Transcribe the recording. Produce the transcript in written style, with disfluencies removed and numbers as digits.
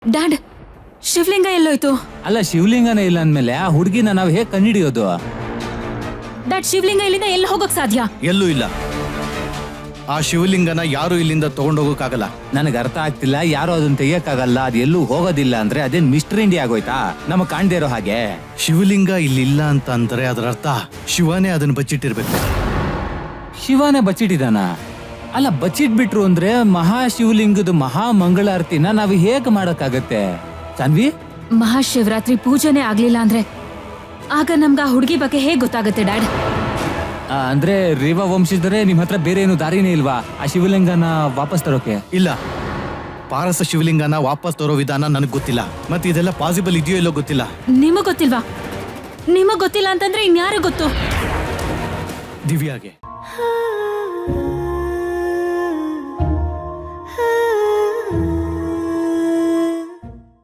Dad, ಶಿವಲಿಂಗ ಎಲ್ಲೋಯ್ತು? ಅಲ್ಲ, ಶಿವಲಿಂಗನೇ ಇಲ್ಲ ಅಂದ್ಮೇಲೆ ಆ ಹುಡುಗಿನ ನಾವ್ ಹೇಗ್ ಕಂಡಿಡಿಯೋದು? ಡ್ಯಾಡ್, ಶಿವಲಿಂಗ ಇಲ್ಲಿಂದ ಎಲ್ಲಿ ಹೋಗಕ್ ಸಾಧ್ಯ? ಎಲ್ಲೂ ಇಲ್ಲ. ಆ ಶಿವಲಿಂಗನ ಯಾರು ಇಲ್ಲಿಂದ ತಗೊಂಡೋಗಕ್ಕಾಗಲ್ಲ. ನನಗೆ ಅರ್ಥ ಆಗ್ತಿಲ್ಲ, ಯಾರು ಅದನ್ನ ತೆಗಿಯಕ್ಕಾಗಲ್ಲ, ಅದು ಎಲ್ಲೂ ಹೋಗೋದಿಲ್ಲ ಅಂದ್ರೆ ಅದೇನ್ ಮಿಸ್ಟರ್ ಇಂಡಿಯಾ ಆಗೋಯ್ತಾ? ನಮಗ್ ಕಾಣ್ದೇ ಇರೋ ಹಾಗೆ. ಶಿವಲಿಂಗ ಇಲ್ಲಿಲ್ಲ ಅಂತ ಅಂದ್ರೆ ಅದರ ಅರ್ಥ ಶಿವನೇ ಅದನ್ನ ಬಚ್ಚಿಟ್ಟಿರ್ಬೇಕು. ಶಿವನೇ ಬಚ್ಚಿಟ್ಟಿದಾನ? ಅಲ್ಲ, ಬಚ್ಚಿಟ್ಬಿಟ್ರು ಅಂದ್ರೆ ಮಹಾಶಿವಲಿಂಗದ ಮಹಾ ಮಂಗಳಾರತಿನ ನಾವು ಹೇಗ್ ಮಾಡಕ್ಕಾಗತ್ತೆ ಸಾನ್ವಿ? ಮಹಾಶಿವರಾತ್ರಿ ಪೂಜೆನೇ ಆಗ್ಲಿಲ್ಲ ಅಂದ್ರೆ ಆಗ ನಮ್ಗ ಆ ಹುಡುಗಿ ಬಗ್ಗೆ ಹೇಗ್ ಗೊತ್ತಾಗತ್ತೆ ಡ್ಯಾಡ್? ಅಂದ್ರೆ ರೇವಾ ವಂಶಿದ್ರೆ ನಿಮ್ ಹತ್ರ ಬೇರೆ ಏನು ದಾರಿನೇ ಇಲ್ವಾ ಆ ಶಿವಲಿಂಗನ ವಾಪಸ್ ತರೋಕೆ? ಇಲ್ಲ, ಪಾರಸ ಶಿವಲಿಂಗನ ವಾಪಸ್ ತರೋ ವಿಧಾನ ನನಗ್ ಗೊತ್ತಿಲ್ಲ. ಮತ್ತೆ ಇದೆಲ್ಲ ಪಾಸಿಬಲ್ ಇದೆಯೋ ಇಲ್ಲೋ ಗೊತ್ತಿಲ್ಲ. ನಿಮಗ್ ಗೊತ್ತಿಲ್ವಾ? ನಿಮಗ್ ಗೊತ್ತಿಲ್ಲ ಅಂತಂದ್ರೆ ಇನ್ಯಾರು ಗೊತ್ತು? ದಿವ್ಯಾಗೆ.